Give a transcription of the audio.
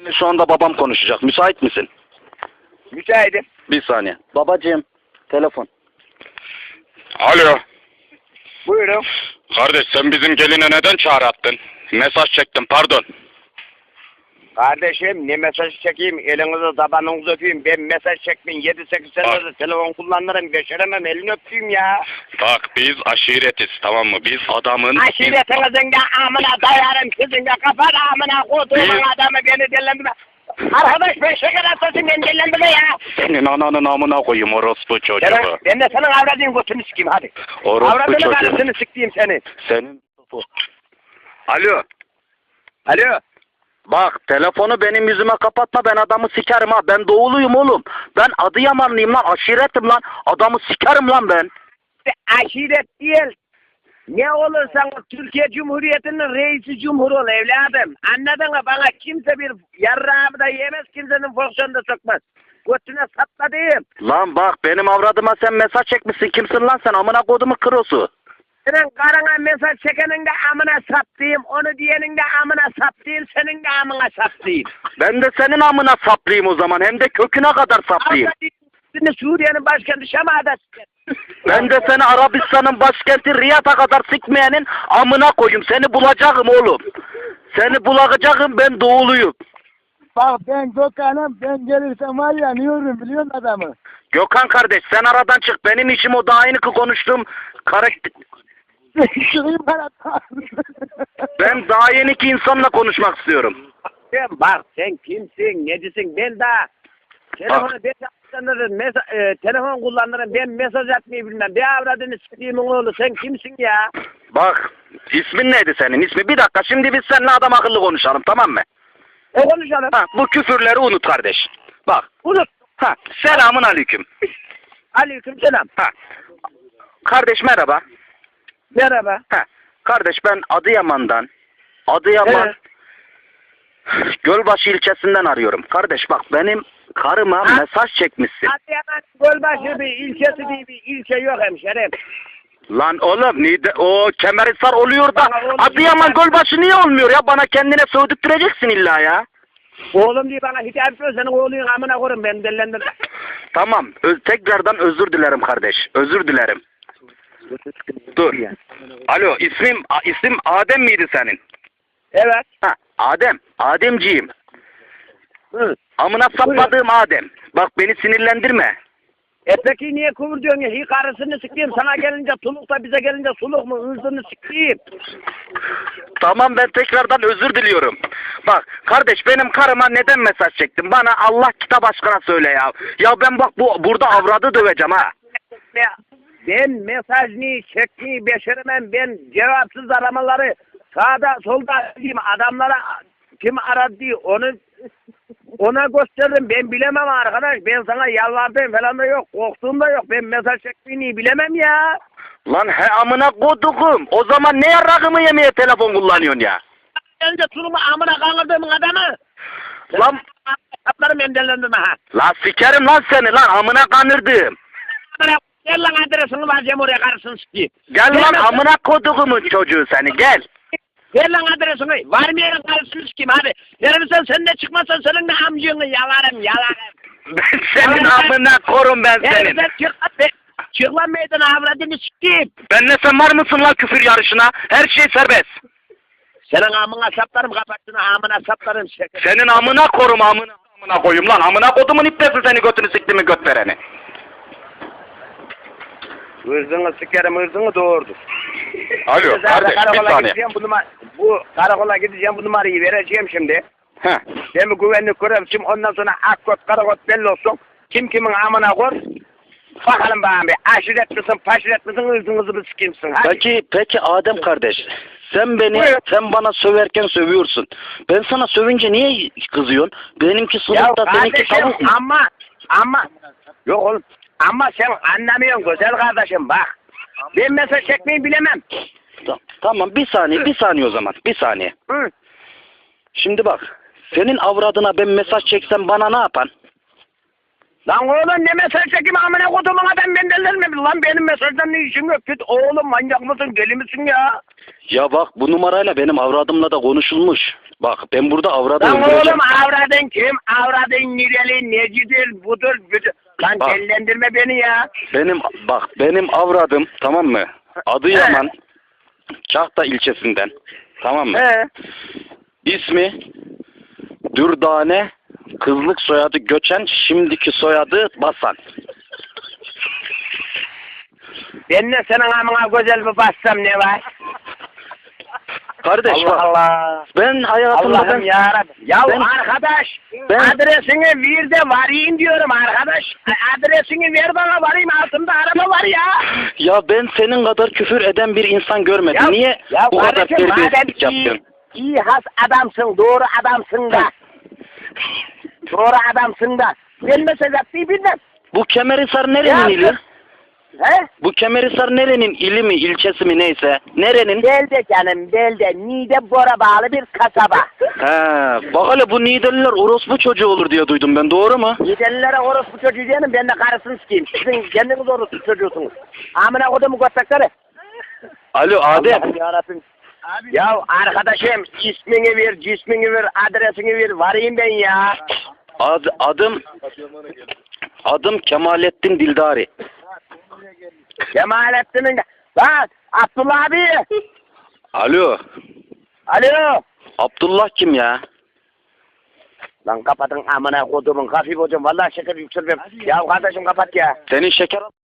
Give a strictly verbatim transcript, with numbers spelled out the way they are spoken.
Şu anda babam konuşacak. Müsait misin? Müsaitim. Bir saniye. Babacığım, telefon. Alo. Buyurun. Kardeş sen bizim geline neden çağrı attın? Mesaj çektim pardon. Kardeşim ne mesaj çekeyim, elinizi tabanınızı öpeyim. Ben mesaj çekmeyin, yedi sekiz senedir telefon kullanırım, beceremem, elini öpeyim ya. Bak biz aşiretiz tamam mı? Biz adamın... Aşiretinizin de amına dayarım, sizin de kafanı amına koduğumun Biz- adamı beni dellendirme. Arkadaş ben şeker atasın beni dellendirme ya. Senin ananın amına koyayım orospu çocuğu. Ben, ben de senin avradın götünü sikeyim hadi. Orospu Avradını çocuğu. karısını sikeyim seni. Senin... Alo. Alo. Bak telefonu benim yüzüme kapatma, ben adamı sikerim ha. Ben doğuluyum oğlum. Ben Adıyamanlıyım lan, aşiretim lan. Adamı sikerim lan ben. Aşiret değil. Ne olursan Türkiye Cumhuriyeti'nin reisi cumhur ol evladım. Anladın mı? Bana kimse bir yarrağımı da yemez, kimsenin fonksiyonunu da sokmaz. Götüne sapladığım. Lan bak benim avradıma sen mesaj çekmişsin. Kimsin lan sen? Amına kodumu krosu. Senin karına mesaj çekenin de amına saplayayım, onu diyenin de amına saplayayım, senin de amına saplayayım. Ben de senin amına saplayayım o zaman. Hem de köküne kadar saplayayım. Şimdi Suriye'nin başkenti Şam'da. Ben de seni Arabistan'ın başkenti Riyad'a kadar sikmeyenin amına koyayım. Seni bulacağım oğlum. Seni bulacağım, ben doğuluyum. Bak ben Gökhan'ım, ben gelirsem var ya anıyorum biliyor musun adamı? Gökhan kardeş sen aradan çık. Benim işim o, daha yeni ki konuştuğum karakter. Şurayı bana Ben daha yeni ki insanla konuşmak istiyorum. Sen bak sen kimsin, necisin, ben daha telefonu ben kullanırım, mesa- e, telefon kullanırım, ben mesaj atmayı bilmem. Bir avradını siktiğimin oğlu, sen kimsin ya? Bak ismin neydi senin ismi? Bir dakika şimdi biz seninle adam akıllı konuşalım tamam mı? E konuşalım. Ha, bu küfürleri unut kardeş. Bak. Unut. Ha, selamun aleyküm. Aleyküm selam. Ha. Kardeş merhaba. Merhaba. Ha. Kardeş ben Adıyaman'dan. Adıyaman. Evet. Gölbaşı ilçesinden arıyorum. Kardeş bak benim karıma Ha? mesaj çekmişsin. Adıyaman Gölbaşı bir ilçesi diye bir ilçe yok hemşerim. Lan oğlum nide, o Kemerhisar oluyor da Bana oğlum Adıyaman diyor. Gölbaşı niye olmuyor ya? Bana kendine sövdürteceksin illa ya. Oğlum diye bana hitap ediyor, senin oğlun amına koyun beni dellendirme. Tamam. Öz, tekrardan özür dilerim kardeş. Özür dilerim. Dur. Alo ismim a- isim Adem miydi senin? Evet. Ha Adem. Ademciğim. Hı. Amına sapladığım Adem. Bak beni sinirlendirme. E peki niye kıvır diyorsun ya? Hi karısını sikeyim, sana gelince tuluk da bize gelince suluk mu? Hırzını sikeyim. Tamam ben tekrardan özür diliyorum. Bak kardeş benim karıma neden mesaj çektin? Bana Allah kitap aşkına söyle ya. Ya ben bak bu burada avradı döveceğim ha. Ya, ben mesaj ni çekmeyi beceremem. Ben cevapsız aramaları sağda solda diyeyim adamlara kim aradı diye onu ona gösterdim. Ben bilemem arkadaş. Ben sana yalvardım falan da yok. Korktuğum da yok. Ben mesaj çekmeyi bilemem ya. Lan he amına koduğum. O zaman ne yarrağımı yemeye telefon kullanıyorsun ya? Önce turumu amına kandırdığımın adamı. Lan Kaplarım endellendirme ha. la sikerim lan seni lan amına kanırdım. Amına gel lan adresini vereceğim oraya karısını sikeyim. Gel lan lan- amına koduğumun çocuğu seni gel. Ver lan adresini. Varmayan karısını sikeyim hadi. Verirsen sen de çıkmazsan senin de amcığını yalarım yalarım. Ben senin amına korum ben senin. Verirsen çık lan be. Çık lan meydana avradını sikeyim. Benle sen var mısın lan küfür yarışına? Her şey serbest. Senin amına saplarım kapattığını amına saplarım. Senin amına korum amına amına koyayım lan. Amına kodumun ipnesi seni götünü siktiğimi göt vereni. Hırzını sikerim hırzını doğurdur. Alo kardeş bir Karakola saniye. gideceğim bu numara, bu karakola gideceğim bu numarayı vereceğim şimdi. Heh. Ben bir güvenlik görevlisiyim ondan sonra akkot karakot belli olsun. Kim kimin amına kor. Bakalım bana bir aşiret misin paşiret misin hırzınızı bir sikimsin hadi. Peki peki Adem kardeş. Sen beni Buyur. sen bana söverken sövüyorsun. Ben sana sövünce niye kızıyorsun? Benimki Ya suluk da seninki kardeşim tavuk mu? ama ama yok oğlum ama sen anlamıyorsun güzel kardeşim bak. Ben mesaj çekmeyi bilemem. Ta- Tamam bir saniye bir saniye o zaman bir saniye. Hı. Şimdi bak senin avradına ben mesaj çeksem bana ne yapan? Lan oğlum ne mesaj çekeyim amına kodumun adam ben delirme lan benim mesajdan ne işim yok git oğlum manyak mısın deli misin ya? Ya bak bu numarayla benim avradımla da konuşulmuş. Bak ben burada avradı Lan öldüreceğim. oğlum avradın kim? Avradın nireli necidir budur budur. Lan Bak. dellendirme beni ya. Benim bak benim avradım tamam mı? Adıyaman Kahta ilçesinden tamam mı? He. İsmi Dürdane, kızlık soyadı Göçen, şimdiki soyadı Basan. Ben de senin amına güzel bir bassam ne var? Kardeş Allah bak Allah. ben hayatımda Allah'ım ben, yarabbim. Ya ben- arkadaş ben- adresini ver de varayım diyorum arkadaş. Adresini ver bana varayım altımda araba var ya. ya ben senin kadar küfür eden bir insan görmedim. Ya, Niye ya bu kadar kardeşim, madem terbiyesizlik iyi, yapıyorsun? iyi has adamsın, doğru adamsın da. Doğru adamsın da. Ben mesaj atmayı bilmem. Bu Kemerhisar nerenin Ya, ili? He? Bu Kemerhisar nerenin ili mi, ilçesi mi neyse? Nerenin? Belde canım, Belde. Niğde Bora bağlı bir kasaba. He, bak hele bu Niğdeliler orospu çocuğu olur diye duydum ben, doğru mu? Niğdelilere orospu çocuğu diyelim, ben de karısını sikeyim. Sizin kendiniz orospu çocuğusunuz. Amına kodumu göttekleri. Alo Adem. Allah'ım yarabbim. Ya arkadaşım ismini ver, cismini ver, adresini ver, varayım ben ya. Ad, adım adım Kemalettin Dildari. Cemalettin'in... Lan Abdullah abi. Alo. Alo. Abdullah kim ya? Lan kapatın amına kodumun hafif hocam. Vallahi şeker yükselmem. Ya kardeşim kapat ya. Senin şeker